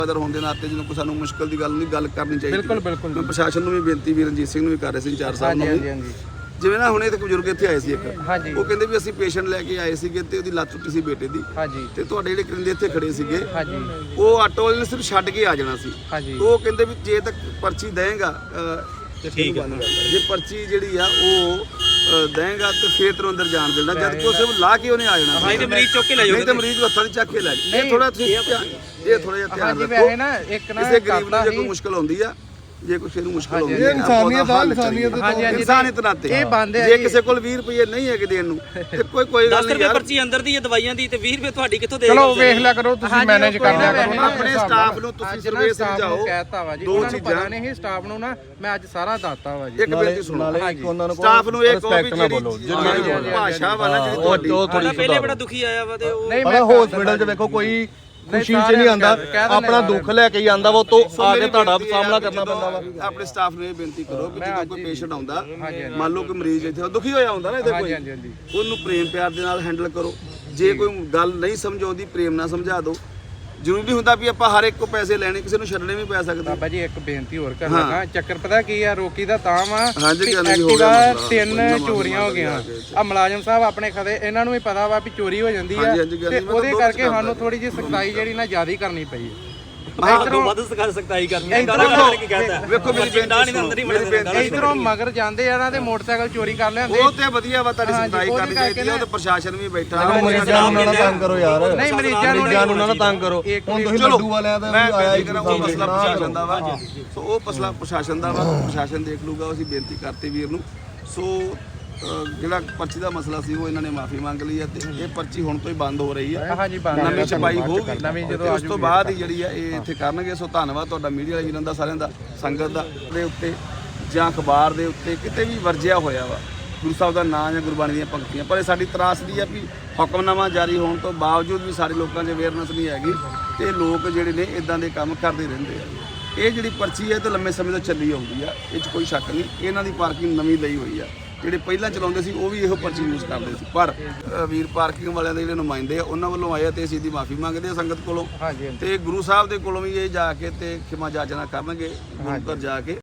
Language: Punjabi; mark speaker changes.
Speaker 1: होने के नाते जो सानू मुश्किल की गल करनी चाहिए।
Speaker 2: बिल्कुल बिल्कुल
Speaker 1: मैं प्रशासन को भी बेनती भी रणजीत सिंह भी कर रहे इंचार्ज साहब जिवें ना हुणे इत्थे बजुर्ग इत्थे आए सी एक वो कहंदे भी असीं पेशेंट लैके आए सीगे ते ओहदी लत्त टुੱਟੀ सी बेटे दी ते तुहाडे जिहड़े करिंदे इत्थे खड़े सीगे वो आटो वाले ने सिर्फ छड्ड के आ जाना सी तो वो कहंदे भी जे तक पर्ची देगा ठीक है जे पर्ची जिहड़ी आ वो देगा तो फिर तेरे अंदर जान देना जब कि सिर्फ ला के उन्हें आ जाना नहीं तो मरीज चुक के ले जाओगे नहीं तो मरीज हत्थां दी चक के ले जाओ ये थोड़ा जिहा ध्यान रखो ना एक ना किसी गरीब नूं जे कोई मुश्किल होंदी आ जे कुछ मुश्किल होगी इंसानियत नाते जे किसी को 20 रुपये नहीं है देन नूं ते कोई गल नहीं यार
Speaker 3: पर्ची अंदर दी दवाइयां दी ते 20 रुपये ਤੁਹਾਡੀ ਕਿੱਥੋਂ ਦੇ
Speaker 2: ਚਲੋ ਵੇਖ ਲਿਆ ਕਰੋ ਤੁਸੀਂ ਮੈਨੇਜ ਕਰ ਲਿਆ ਕਰੋ
Speaker 1: ਆਪਣੇ ਸਟਾਫ ਨੂੰ ਤੁਸੀਂ ਸਰਵੇ ਸਮਝਾਓ
Speaker 2: ਕਹਿਤਾ ਵਾ ਜੀ ਦੋ ਚੀਜ਼ਾਂ ਨੇ ਸਟਾਫ ਨੂੰ ਨਾ ਮੈਂ ਅੱਜ ਸਾਰਾ ਦੱਸਤਾ ਵਾ ਜੀ
Speaker 1: ਇੱਕ ਬੇਨਤੀ ਸੁਣੋ ਸਟਾਫ ਨੂੰ ਇਹ ਕਹੋ ਵੀ ਜਿਹੜੀ ਭਾਸ਼ਾ ਵਾ ਨਾ ਜਿਹੜੀ ਤੁਹਾਡੀ
Speaker 3: ਉਹ ਪਹਿਲੇ ਬੜਾ ਦੁਖੀ ਆਇਆ ਵਾ ਤੇ ਉਹ
Speaker 2: ਨਹੀਂ
Speaker 4: ਮੈਂ ਹਸਪੀਟਲ 'ਚ ਵੇਖੋ ਕੋਈ ਖੁਸ਼ੀ 'ਚ ਨਹੀਂ ਆਂਦਾ ਆਪਣਾ ਦੁੱਖ ਲੈ ਕੇ ਹੀ ਆਂਦਾ ਵਾ ਤੋਂ ਆ ਕੇ ਤੁਹਾਡਾ ਸਾਹਮਣਾ ਕਰਨਾ ਪੈਂਦਾ ਵਾ
Speaker 1: ਆਪਣੇ ਸਟਾਫ ਨੂੰ ਇਹ ਬੇਨਤੀ ਕਰੋ ਕਿ ਜਦੋਂ ਕੋਈ ਪੇਸ਼ੈਂਟ ਆਉਂਦਾ ਮੰਨ ਲਓ ਕਿ ਮਰੀਜ਼ ਇੱਥੇ ਦੁਖੀ ਹੋਇਆ ਹੁੰਦਾ ਨਾ ਇਹਦੇ ਕੋਈ ਉਹਨੂੰ ਪ੍ਰੇਮ ਪਿਆਰ ਦੇ ਨਾਲ ਹੈਂਡਲ ਕਰੋ ਜੇ ਕੋਈ ਗੱਲ ਨਹੀਂ ਸਮਝ ਆਉਂਦੀ ਪ੍ਰੇਮ ਨਾਲ ਸਮਝਾ ਦਿਓ ਜ਼ਰੂਰੀ ਹੁੰਦਾ ਵੀ ਆਪਾਂ ਹਰ ਇੱਕ ਕੋ ਪੈਸੇ ਲੈਣੇ ਕਿਸੇ ਨੂੰ ਛੱਡਣੇ ਵੀ ਪੈ ਸਕਦੇ
Speaker 2: ਬਾਬਾ ਜੀ ਇੱਕ ਬੇਨਤੀ ਹੋਰ ਕਰਨ ਲੱਗਾ ਚੱਕਰ ਪਤਾ ਕੀ ਆ ਰੋਕੀ ਦਾ ਤਾਂ ਵਾ
Speaker 1: ਐਕਟਿਵਾ
Speaker 2: 3 ਚੋਰੀਆਂ ਹੋ ਗਈਆਂ ਆ ਮੁਲਾਜ਼ਮ ਸਾਹਿਬ ਆਪਣੇ ਖਦੇ ਇਹਨਾਂ ਨੂੰ ਵੀ ਪਤਾ ਵਾ ਵੀ ਚੋਰੀ ਹੋ ਜਾਂਦੀ ਆ ਤੇ ਉਹਦੇ ਕਰਕੇ ਸਾਨੂੰ ਥੋੜੀ ਜਿਹੀ ਸਖਤਾਈ ਜਿਹੜੀ ਨਾ ਜ਼ਿਆਦਾ ਕਰਨੀ ਪਈ ਹੈ
Speaker 3: ਵੱਧ ਸਖਤਾਈ ਕਰਨੀ ਹੈ ਕਰਕੇ ਕਹਿੰਦਾ
Speaker 1: ਵੇਖੋ ਮੇਰੀ ਬੇਨਤੀ
Speaker 2: ਇਧਰੋਂ ਮਗਰ ਜਾਂਦੇ ਆ ਨਾ ਤੇ ਮੋਟਰਸਾਈਕਲ ਚੋਰੀ ਕਰ ਲਿਆਂਦੇ
Speaker 1: ਉਹ ਤੇ ਵਧੀਆ ਵਾ ਤੁਹਾਡੀ ਸਖਤਾਈ ਕਰਨੀ ਚਾਹੀਦੀ ਹੈ ਉਹ ਤੇ ਪ੍ਰਸ਼ਾਸਨ ਵੀ ਬੈਠਾ
Speaker 4: ਮਰੀਜ਼ਾਂ ਨੂੰ ਨਾ ਤੰਗ ਕਰੋ ਯਾਰ
Speaker 2: ਨਹੀਂ ਮਰੀਜ਼ਾਂ ਨੂੰ
Speaker 4: ਨਾ ਤੰਗ ਕਰੋ ਹੁਣ ਤੁਸੀਂ ਲੱਡੂ ਵਾਲਿਆਂ ਦਾ ਵੀ ਆਇਆ ਹੀ
Speaker 1: ਉਹ ਮਸਲਾ ਪ੍ਰਸ਼ਾਸਨ ਦਾ ਵਾ ਸੋ ਉਹ ਮਸਲਾ ਪ੍ਰਸ਼ਾਸਨ ਦਾ ਵਾ ਪ੍ਰਸ਼ਾਸਨ ਦੇਖ ਲੂਗਾ ਅਸੀਂ ਬੇਨਤੀ ਕਰਤੇ ਵੀਰ ਨੂੰ ਸੋ ਜਿਹੜਾ ਪਰਚੀ ਦਾ ਮਸਲਾ ਸੀ ਉਹ ਇਹਨਾਂ ਨੇ ਮਾਫੀ ਮੰਗ ਲਈ ਹੈ ਤੇ ਇਹ ਪਰਚੀ ਹੁਣ ਤੋਂ ਹੀ ਬੰਦ ਹੋ ਰਹੀ ਹੈ
Speaker 2: ਹਾਂਜੀ ਬੰਦ
Speaker 1: ਨਵੀਂ ਛਪਾਈ ਹੋਊਗੀ ਨਵੀਂ ਜਦੋਂ ਉਸ ਤੋਂ ਬਾਅਦ ਹੀ ਜਿਹੜੀ ਹੈ ਇਹ ਇੱਥੇ ਕਰਨਗੇ ਸੋ ਧੰਨਵਾਦ ਤੁਹਾਡਾ ਮੀਡੀਆ ਵਾਲੇ ਵੀਰਾਂ ਦਾ ਸਾਰਿਆਂ ਦਾ ਸੰਗਤ ਦਾ ਦੇ ਉੱਤੇ ਜਾਂ ਅਖਬਾਰ ਦੇ ਉੱਤੇ ਕਿਤੇ ਵੀ ਵਰਜਿਆ ਹੋਇਆ ਵਾ ਗੁਰੂ ਸਾਹਿਬ ਦਾ ਨਾਂ ਜਾਂ ਗੁਰਬਾਣੀ ਦੀਆਂ ਪੰਕਤੀਆਂ ਪਰ ਇਹ ਸਾਡੀ ਤਰਾਸਦੀ ਆ ਵੀ ਹੁਕਮਨਾਮਾ ਜਾਰੀ ਹੋਣ ਤੋਂ ਬਾਵਜੂਦ ਵੀ ਸਾਰੇ ਲੋਕਾਂ 'ਚ ਅਵੇਅਰਨੈਸ ਨਹੀਂ ਹੈਗੀ ਤੇ ਲੋਕ ਜਿਹੜੇ ਨੇ ਇਦਾਂ ਦੇ ਕੰਮ ਕਰਦੇ ਰਹਿੰਦੇ ਆ ਇਹ ਜਿਹੜੀ ਪਰਚੀ ਹੈ ਤੇ ਲੰਮੇ ਸਮੇਂ ਤੋਂ ਚੱਲੀ ਆਉਂਦੀ ਆ ਇਹ 'ਚ ਕੋਈ ਸ਼ੱਕ ਨਹੀਂ ਇਹਨਾਂ ਦੀ ਪਾਰਕਿੰਗ ਨਵੀਂ ਲਈ ਹੋਈ ਆ ਜਿਹੜੇ ਪਹਿਲਾਂ ਚਲਾਉਂਦੇ ਸੀ ਉਹ ਵੀ ਇਹੋ ਪਰਚੀ ਯੂਜ਼ ਕਰਦੇ ਸੀ ਪਰ ਵੀਰ ਪਾਰਕਿੰਗ ਵਾਲਿਆਂ ਦੇ ਜਿਹੜੇ ਨੁਮਾਇੰਦੇ ਆ ਉਹਨਾਂ ਵੱਲੋਂ ਆਏ ਤੇ ਅਸੀਂ ਇਹਦੀ ਮਾਫੀ ਮੰਗਦੇ ਆ ਸੰਗਤ ਕੋਲੋਂ ਤੇ ਗੁਰੂ ਸਾਹਿਬ ਦੇ ਕੋਲੋਂ ਵੀ ਇਹ ਜਾ ਕੇ ਤੇ ਖਿਮਾ ਜਾਚਨਾ ਕਰਨਗੇ ਗੁਰੂ ਘਰ ਜਾ ਕੇ